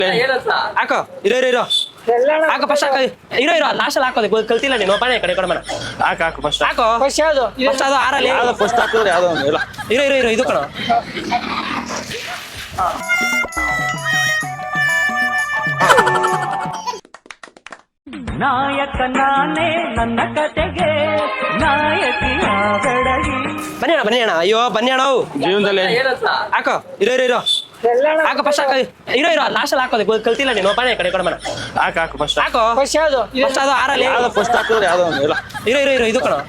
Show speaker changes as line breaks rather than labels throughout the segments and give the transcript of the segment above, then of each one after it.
ಹಾಕೋ ಇರೋ ಹಾಕೋ ಫಸ್ಟ್ ಹಾಕೋ ಇರೋ ಲಾಸ್ಟ್ ಅಲ್ಲಿ ಹಾಕೋದು ಕಲ್ತಿಲ್ಲ ನೀನು ಬಾಣ ಕಡೆ ಕೊಡೋಣ
ಹಾಕು ಫಸ್ಟ್
ಹಾಕೋ ಫಸ್ಟ್ ಅದು ಆರಲ್ಲಿ
ಯಾವ್ದು ಫಸ್ಟ್ ಹಾಕಿದ್ರೆ ಯಾವ್ದೋ ಒಂದು ಇಲ್ಲ
ಇರೋ ಇದು ಕಣ
ನಾಯಕ ನಾನೇ ನನ್ನ ಕತೆಗೆ ನಾಯಕಿಯ ಬೆಡಗಿ
ಬನ್ನಿ ಅಣ್ಣ ಅಯ್ಯೋ ಬನ್ನಿ ಅಣ್ಣ
ಜೀವನದಲ್ಲಿ
ಹಾಕೋ ಇರೋ ಹಾಕೋ ಫಸ್ಟ್ ಹಾಕೋ ಇರೋ ಲಾಸ್ಟ್ ಅಲ್ಲಿ ಹಾಕೋದು ಕಲ್ತಿಲ್ಲ ನೀನು ಬಾಣ ಕಡೆ ಕೊಡೋಣ
ಹಾಕು ಫಸ್ಟ್
ಹಾಕೋ ಫಸ್ಟ್ ಅದು ಆರಲ್ಲಿ
ಯಾವ್ದು ಫಸ್ಟ್ ಹಾಕಿದ್ರೆ ಯಾವ್ದೋ ಒಂದು ಇಲ್ಲ
ಇರೋ ಇದು ಕಣ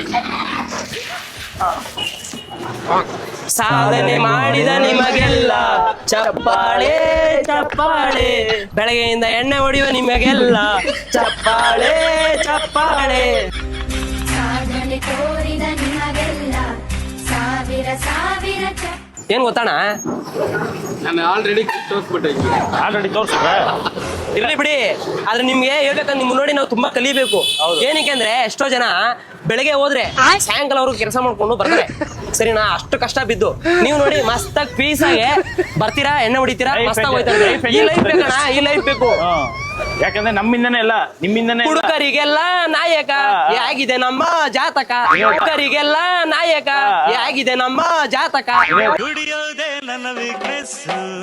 ಸಾಧನೆ ಮಾಡಿದ ನಿಮಗೆಲ್ಲ ಚಪ್ಪಾಳೆ ಚಪ್ಪಾಳೆ ಬೆಳಗ್ಗೆಯಿಂದ ಎಣ್ಣೆ ಹೊಡೆಯುವ ನಿಮಗೆಲ್ಲ ಚಪ್ಪಾಳೆ ಚಪ್ಪಾಳೆ
ಸಾಧನೆ ತೋರಿದ ನಿಮಗೆಲ್ಲ ಸಾವಿರ ಸಾವಿರ
ಏನ್ ಗೊತ್ತಣ್ಣ
ನಾನು ಆಲ್ರೆಡಿ
ತೋರ್ಸಿದ್ರೆ
ಇರ್ಲಿ ಬಿಡಿ ಆದ್ರೆ ನಿಮ್ಗೆ ಹೇಳ್ಬೇಕಂದ್ರೆ ನಿಮ್ ನೋಡಿ ನಾವು ತುಂಬಾ ಕಲಿಬೇಕು ಏನಕ್ಕೆ ಅಂದ್ರೆ ಎಷ್ಟೋ ಜನ ಬೆಳಗ್ಗೆ ಹೋದ್ರೆ ಸಾಯಂಕಾಲ ಅವ್ರಿಗೆ ಕೆಲಸ ಮಾಡ್ಕೊಂಡು ಬರ್ತಾರೆ ಸರಿನಾ ಅಷ್ಟು ಕಷ್ಟ ಬಿದ್ದು ನೀವು ನೋಡಿ ಮಸ್ತಾಗಿ ಪೀಸ್ ಆಗಿ ಬರ್ತೀರಾ ಎಣ್ಣೆ ಹೊಡಿತೀರಾ ಮಸ್ತಾಗಿ ಹೋಯ್ತಾರೆ ಈ ಲೈಫ್ ಬೇಕಣ್ಣ ಈ ಲೈಫ್ ಬೇಕು
ಯಾಕಂದ್ರೆ ನಮ್ಮಿಂದನೇ ಅಲ್ಲ ನಿಮ್ಮಿಂದನೇ
ಹುಡುಗರಿಗೆಲ್ಲ ನಾಯಕ ಹೇಗಿದೆ ನಮ್ಮ ಜಾತಕ ಹುಡುಗರಿಗೆಲ್ಲ ನಾಯಕ ಹೇಗಿದೆ ನಮ್ಮ ಜಾತಕ
ದುಡಿಯೋದೆ ನನ್ನ ವೀಕ್ನೆಸ್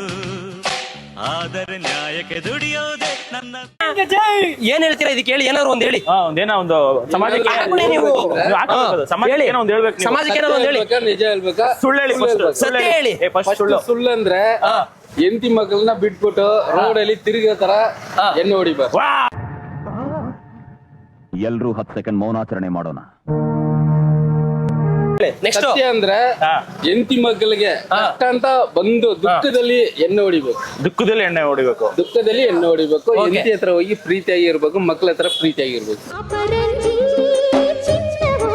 ಆದರೆ ನ್ಯಾಯಕ್ಕೆ ದುಡಿಯೋದೆ ನನ್ನ
ಏನ್ ಹೇಳ್ತೀರಾ ಇದಕ್ಕೆ ಹೇಳಿ ಏನಾದ್ರು ಒಂದ್ ಹೇಳಿ
ಒಂದೇನೋ ಒಂದು ಸಮಾಜಕ್ಕೆ
ಹಾಕೊಳ್ಳಿ ನೀವು.
ಸಮಾಜಕ್ಕೆ ಏನೋ ಒಂದು ಹೇಳ್ಬೇಕು ನೀವು.
ಸಮಾಜಕ್ಕೆ ಏನಾದ್ರು ಒಂದ್ ಹೇಳಿ
ನಿಜ ಹೇಳ್ಬೇಕಾ
ಸುಳ್ಳು ಹೇಳಿ first.
ಸತ್ಯ ಹೇಳಿ.
ಫಸ್ಟ್ ಸುಳ್ಳು
ಸುಳ್ಳು ಅಂದ್ರೆ ಹೆಂಡತಿ ಮಕ್ಕಳನ್ನ ಬಿಟ್ಬಿಟ್ಟು ರೋಡ್ ಅಲ್ಲಿ ತಿರುಗೋ ತರ ಎಣ್ಣೆ ಹೊಡಿಬಾರ್ದು.
ಎಲ್ರೂ 10 ಸೆಕೆಂಡ್ ಮೌನಾಚರಣೆ ಮಾಡೋಣ.
ನೆಕ್ಸ್ಟ್
ಸತ್ಯ ಅಂದ್ರೆ ಹೆಂಡತಿ ಮಕ್ಕಳಿಗೆ ಕಷ್ಟ ಅಂತ ಬಂದು ದುಃಖದಲ್ಲಿ ಎಣ್ಣೆ ಹೊಡಿಬೇಕು.
ದುಃಖದಲ್ಲಿ ಎಣ್ಣೆ ಹೊಡಿಬೇಕು.
ದುಃಖದಲ್ಲಿ ಎಣ್ಣೆ ಹೊಡಿಬೇಕು. ಹೆಂಡತಿ ಹತ್ರ ಹೋಗಿ ಪ್ರೀತಿಯಾಗಿ ಇರ್ಬೇಕು, ಮಕ್ಕಳ ಹತ್ರ ಪ್ರೀತಿಯಾಗಿ ಇರ್ಬೇಕು.
ಅಪರಂಜಿ ಚಿನ್ನವೋ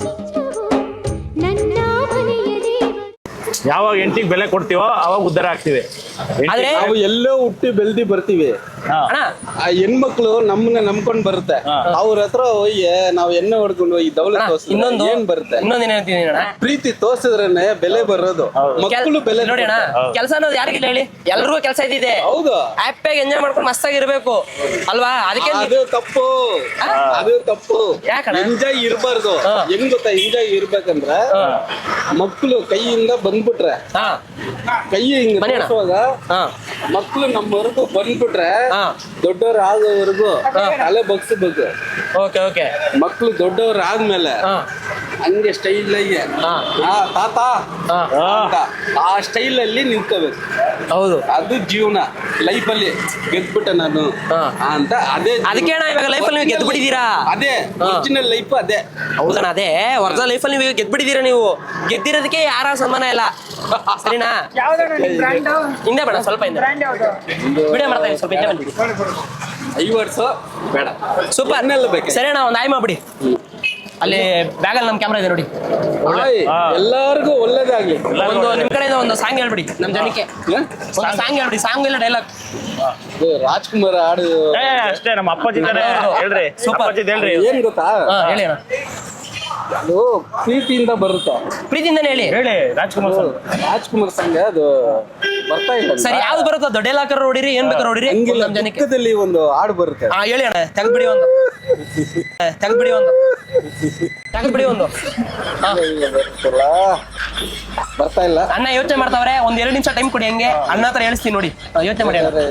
ನನ್ನ ಮನೆಯ ದೇವ
ಯಾವಾಗ ಹೆಂಡತಿಗೆ ಬೆಲೆ ಕೊಡ್ತೀವೋ ಅವಾಗ ಉದ್ಧಾರ ಆಗ್ತೀವಿ.
ಆದ್ರೆ
ನಾವು ಎಲ್ಲೋ ಹುಟ್ಟಿ ಬೆಳ್ದಿ ಬರ್ತೀವಿ,
ಅಣ್ಣ
ಆ ಹೆಣ್ಮಕ್ಳು ನಮ್ಮನ್ನ ನಂಬ್ಕೊಂಡ್ ಬರುತ್ತೆ. ಅವ್ರ ಹತ್ರ ಹೋಗಿ ನಾವ್ ಎಣ್ಣೆ ಹೊಡ್ಕೊಂಡು ಹೋಗಿ ದೌಲತ್
ಇನ್ನೊಂದು
ಏನ್ ಬರುತ್ತೆ?
ಇನ್ನೊಂದ್ ಏನ್ ಹೇಳ್ತೀನಿ ಅಣ್ಣ
ಪ್ರೀತಿ ತೋರ್ಸಿದ್ರೇನೆ ಬೆಲೆ ಬರೋದು. ಮಕ್ಕಳು ಬೆಲೆ
ನೋಡಿ ಅಣ್ಣ ಕೆಲಸ ಅನ್ನೋದು ಯಾರಿಗಿಲ್ಲ ಹೇಳಿ ಎಲ್ರಿಗೂ ಕೆಲಸ ಇದ್ದಿದೆ
ಹೌದು.
ಹ್ಯಾಪಿಯಾಗಿ ಎಂಜಾಯ್ ಮಾಡ್ಕೊಂಡು ಮಸ್ತಾಗಿ ಇರ್ಬೇಕು ಅಲ್ವಾ ಅದಕ್ಕೆ
ಅದು ತಪ್ಪು, ಅದು ತಪ್ಪು.
ಯಾಕಣ್ಣ?
ಎಂಜಾಯ್ ಇರ್ಬಾರ್ದು. ಹೆಂಗ್ ಗೊತ್ತಾ ಎಂಜಾಯ್ ಇರ್ಬೇಕಂದ್ರ ಮಕ್ಕಳು ಕೈಯಿಂದ ಬಂದ್ಬಿಟ್ರೆ
ಹಾ
ಕೈ ಹಿಂಗ್
ಬನ್ನಿ ಅಣ್ಣ.
ತೋರ್ಸುವಾಗ
ಹಾ
ಮಕ್ಕಳು ನಮ್ಮವರೆಗೂ ಬಂದ್ಬಿಟ್ರೆ
ಹಾ
ದೊಡ್ಡವ್ರ ಆಗೋವರೆಗೂ ತಲೆ ಬಗ್ಸ್ಬೇಕು.
ಓಕೆ
ಮಕ್ಕಳು ದೊಡ್ಡವ್ರ ಆದ್ಮೇಲೆ
ಹಾ
ಹಂಗೆ ಸ್ಟೈಲ್ ಆಗಿ ತಾತ
ಹಾ
ಅಂತ ಆ ಸ್ಟೈಲ್ ಅಲ್ಲಿ ನಿಂತ್ಕೋಬೇಕು.
ಹೌದು
ಅದು ಜೀವನ. ಲೈಫ್ ಅಲ್ಲಿ ಗೆದ್ಬಿಟ್ಟೆ ನಾನು ಅಂತ ಅದೇ
ಅದಕ್ಕೆ ಅಣ್ಣ ಇವಾಗ ಲೈಫಲ್ಲಿ ನೀವು ಗೆದ್ದು ಬಿಟ್ಟಿದ್ದೀರಾ.
ಅದೇ ಒರಿಜಿನಲ್ ಲೈಫ್ ಅದೇ.
ಹೌದಣ್ಣ ಅದೇ ಒರಿಜಿನಲ್ ಲೈಫಲ್ಲಿ ನೀವು ಗೆದ್ದು ಬಿಟ್ಟಿದ್ದೀರಾ. ನೀವು ಗೆದ್ದಿರೋದಕ್ಕೆ ಯಾರ ಸನ್ಮಾನ ಇಲ್ಲ ಸರಿನಾ. ಹಿಂದೆ ಬೇಡ ಸ್ವಲ್ಪ ಹಿಂದೆ ವಿಡಿಯೋ ಮಾಡ್ತಾ ಇದ್ದೀನಿ ಸ್ವಲ್ಪ ಹಿಂದೆ ಬಂದ್ಬಿಡಿ.
5 ವರ್ಷ ಬೇಡ,
ಸೂಪರ್
ಅನ್ನೆಲ್ಲ ಬೇಕು.
ಸರಿ ಅಣ್ಣ ಒಂದು ಆಯ್ ಮಾಡ್ಬಿಡಿ ಅಲ್ಲಿ ಬ್ಯಾಗಲ್ಲಿ ನಮ್ಮ ಕ್ಯಾಮ್ರಾ ಇದೆ ನೋಡಿ.
ಎಲ್ಲಾರ್ಗು ಒಳ್ಳೇದಾಗ್ಲಿ.
ಒಂದು ನಿಮ್ ಕಡೆಯಿಂದ ಒಂದು ಸಾಂಗ್ ಹೇಳ್ಬಿಡಿ ನಮ್ಮ ಜನಕ್ಕೆ. ಒಂದು ಸಾಂಗ್ ಹೇಳ್ಬಿಡಿ, ಸಾಂಗ್ ಇಲ್ಲ ಡೈಲಾಗ್.
ರಾಜ್ಕುಮಾರ್ ಹಾಡು
ಅಷ್ಟೇ ನಮ್ಮ ಅಪ್ಪಾಜಿ ತರ ಹೇಳ್ರಿ.
Super.
ಅಪ್ಪಾಜಿದ್ ಹೇಳ್ರಿ.
ಏನ್ ಗೊತ್ತಾ,
ಹೇಳಿ ಅಣ್ಣ.
ಅದು ಪ್ರೀತಿಯಿಂದ ಬರುತ್ತೆ.
ಪ್ರೀತಿಯಿಂದನೇ ಹೇಳಿ.
ಹೇಳಿ ರಾಜ್ಕುಮಾರ್ ಸರ್.
ರಾಜ್ಕುಮಾರ್ ಸಂಘ ಅದು ಬರ್ತಾ ಇಲ್ಲ.
ಸರಿ ಯಾವ್ದು ಬರುತ್ತೋ ದೊಡ್ಡ ಲಾಕರ್ ನೋಡಿರಿ ಏನ್ ಬೇಕಾದ್ರೆ ನೋಡಿರಿ
ಹಂಗಿಲ್ಲ,
ನಮ್ಮ ಜನಕ್ಕೆ.
ದುಃಖದಲ್ಲಿ ಒಂದು ಹಾಡು ಬರುತ್ತೆ.
ಹೇಳಿ ಅಣ್ಣ ತೆಗ್ದ್ಬಿಡಿ ಒಂದು ತೆಗ್ದ್ಬಿಡಿ ಒಂದು
ಬರುತ್ತಲ್ಲ, ಬರ್ತಾ ಇಲ್ಲ.
ಅಣ್ಣ ಯೋಚನೆ ಮಾಡ್ತಾವ್ರೆ ಒಂದ್ 2 ನಿಮಿಷ ಟೈಮ್ ಕೊಡಿ ಹಂಗೆ ಅಣ್ಣ ಹತ್ರ ಹೇಳ್ತೀನಿ ನೋಡಿ ಯೋಚನೆ ಮಾಡಿ ಅಣ್ಣ.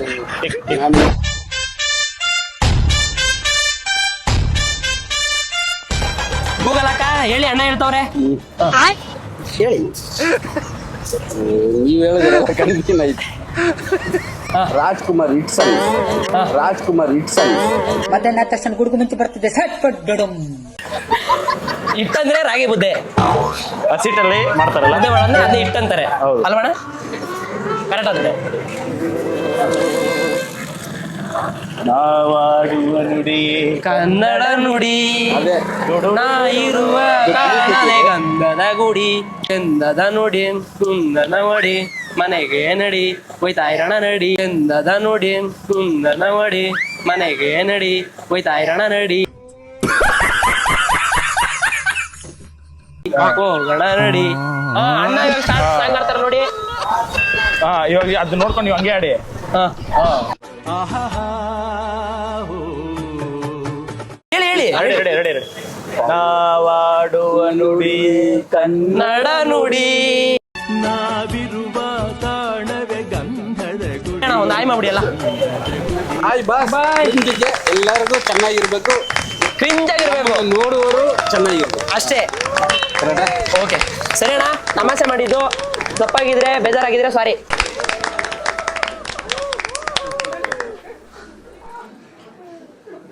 ಗೂಗಲ್ ಅಕ್ಕ ಹೇಳಿ ಅಣ್ಣ ಹೇಳ್ತಾವ್ರೆ ಹೇಳಿ.
ನೀವ್ ಹೇಳಿದ್ರೆ ಕನ್ಫ್ಯೂಷನ್ ಆಯ್ತು. Rajkumar hit song, Rajkumar hit song.
ಮಧ್ಯಾಹ್ನ ತಕ್ಷಣ ಗುಡುಗು ಮುಂಚೆ ಬರ್ತಿದ್ದೆ ಸಟ್ ಪಟ್ ಡಡಮ್.
ಇಟ್ಟಂದ್ರೆ ರಾಗಿ ಮುದ್ದೆ
ಹಸಿಟ್ಟಲ್ಲಿ ಮಾಡ್ತಾರಲ್ಲ
ಮುದ್ದೆ ಮಾಡೋದ್ರೆ ಅದೇ ಇಟ್ಟಂತಾರೆ
ಹೌದು.
ಅಲ್ವಣ್ಣ ಕರೆಕ್ಟ್ ಆದ್ರೆ.
ನಾವಾಡುವ ನುಡಿ
ಕನ್ನಡ ನುಡಿ
ಅದೇ
ನಾ ಇರುವ ಕಾರಣದೇ ಗಂಧದ ಗುಡಿ ಚಂದದ ನುಡಿ ಕುಂದನ ಮಡಿ ಮನೆಗೆ ನಡಿ ಹೋಯ್ತಾ ಇರಣ ನಡಿ ಚಂದದ ನುಡಿ ಕುಂದನ ಮಡಿ ಮನೆಗೆ ನಡಿ ಹೋಯ್ತಾ ಇರಣ ನಡಿ ಹೋಗೋಣ ನಡಿ. ಅಣ್ಣ ಇವಾಗ ಸಾಂಗ್ ಆಡ್ತಾರ ನೋಡಿ.
ಇವಾಗ ಅದು ನೋಡ್ಕೊಂಡು ನೀವು ಹಂಗೆ ಆಡಿ.
ಹಾ. ಹೇಳಿ ಹೇಳಿ
ರೆಡಿ ನಾವಾಡುವ ನುಡಿ
ನಡ ನುಡಿ
ನಾವಿರುವ ತಾಣವೇ ಗಂಧದ ಗುಡಿ.
ಒಂದು ಆಯ್ ಮಾಡ್ಬಿಡಿ ಎಲ್ಲ
ಆಯ್ ಬಾಸ್ ಹಿಂದಿಗೆ ಎಲ್ಲರಿಗೂ ಚೆನ್ನಾಗಿರ್ಬೇಕು,
ಕ್ರಿಂಜ್ ಆಗಿರ್ಬೇಕು,
ನೋಡುವವರು ಚೆನ್ನಾಗಿರ್ಬೇಕು
ಅಷ್ಟೇ.
ಕರೆಕ್ಟಾ?
ಓಕೆ ಸರಿ ಅಣ್ಣ, ತಮಾಷೆ ಮಾಡಿದ್ದು ತಪ್ಪಾಗಿದ್ರೆ ಬೇಜಾರಾಗಿದ್ರೆ ಸಾರಿ.